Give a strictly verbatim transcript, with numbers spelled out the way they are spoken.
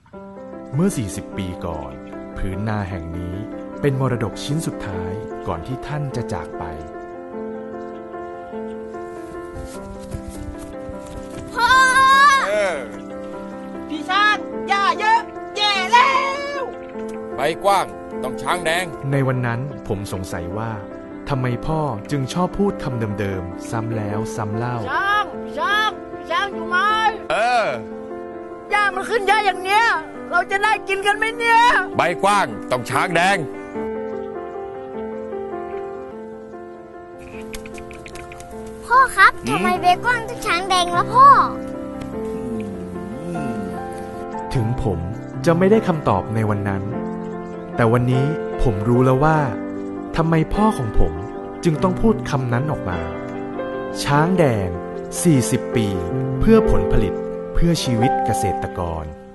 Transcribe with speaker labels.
Speaker 1: เมื่อ สี่สิบ ปีก่อนผืนนาแห่งนี้เป็นมรดกชิ้นสุดท้ายก่อนที่ท่านจะจากไป
Speaker 2: พ่อพี่ชาติย่าเยอะแย่แล้ว
Speaker 3: ใบกว้างต้องช้างแดง
Speaker 1: ในวันนั้นผมสงสัยว่าทำไมพ่อจึงชอบพูดคำเดิมๆซ้ำแล้วซ้ำเล่า
Speaker 2: ช้างช้างช้างอยู่ไหม
Speaker 3: เอ
Speaker 2: อย่ามันขึ้นเยอะอย่างเนี้ยเราจะได้กินกันไหมเนี่ย
Speaker 3: ใบกว้างต้องช้างแดง
Speaker 4: พ่อครับทำไมเบคอนต้องช้างแดงล่ะพ่อ
Speaker 1: ถึงผมจะไม่ได้คำตอบในวันนั้นแต่วันนี้ผมรู้แล้วว่าทำไมพ่อของผมจึงต้องพูดคำนั้นออกมาช้างแดงสี่สิบปีเพื่อผลผลิตเพื่อชีวิตเกษตรกร